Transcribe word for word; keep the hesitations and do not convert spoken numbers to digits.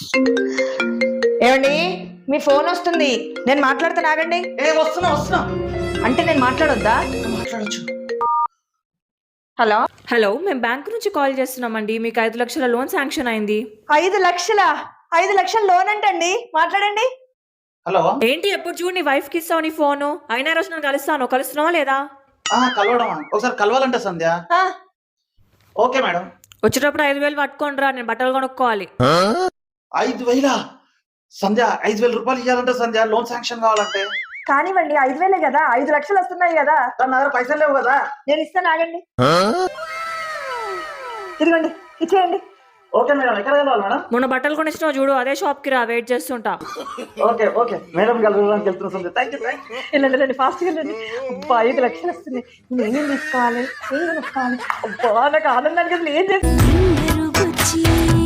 ఏమండి మీ ఫోన్ వస్తుంది, నేను మాట్లాడుతాను, ఆగండి. ఏ వస్తున్నా వస్తున్నా అంటే నేను మాట్లాడొద్దా? మాట్లాడొచ్చు. హలో హలో, మేము బ్యాంక్ నుంచి కాల్ చేస్తున్నామండి. మీకు ఐదు లక్షల లోన్ శాంక్షన్ అయింది. ఐదు లక్షల ఐదు లక్షల లోన్ అంటండి, మాట్లాడండి. హలో. ఏంటి ఎప్పుడు చూడు నీ వైఫ్ కి ఇస్తావు నీ ఫోను? అయినా రోజు నేను కలుస్తాను, కలుస్తున్నావా లేదా? ఆ కలవడమా? ఒకసారి కలవాలంటే సంధ్య. ఆ, ఓకే మేడం. వచ్చేటప్పుడు ఐదు వేలు పట్టుకోండి రా, నేను బట్టలు కొనుక్కోవాలి. ఐదు వేల సంధ్య, ఐదు వేల రూపాయలు ఇవ్వాలంటే సంధ్య, లోన్ శాంక్షన్ కావాలంటే. కానివ్వండి, ఐదు వేలే కదా, ఐదు లక్షలు వస్తున్నాయి కదా. నా దగ్గర పైసలు లేవు కదా. నేను ఇస్తాను, ఆగండి. ఇదిగోండి, ఇచ్చేయండి. ఓకే మేడం, ఎక్కడ కలవాలి మేడం? మొన్న బట్టలు కొనిచ్చినావు చూడు, అదే షాప్ కి రా, వెయిట్ చేస్తుంటా. ఓకే ఓకే మేడం కలవడానికి వెళ్తున్నా Sandhya. Thank you thank you. వెళ్ళండి రండి, ఫాస్ట్గా వెళ్ళండి. అబ్బా, ఐదు లక్షలు వస్తున్నాయి, నేనేం తీసుకోవాలి, ఏం తీసుకోవాలి? అబ్బా, నాకు ఆనందానికి అసలు ఏం చేస్తాను.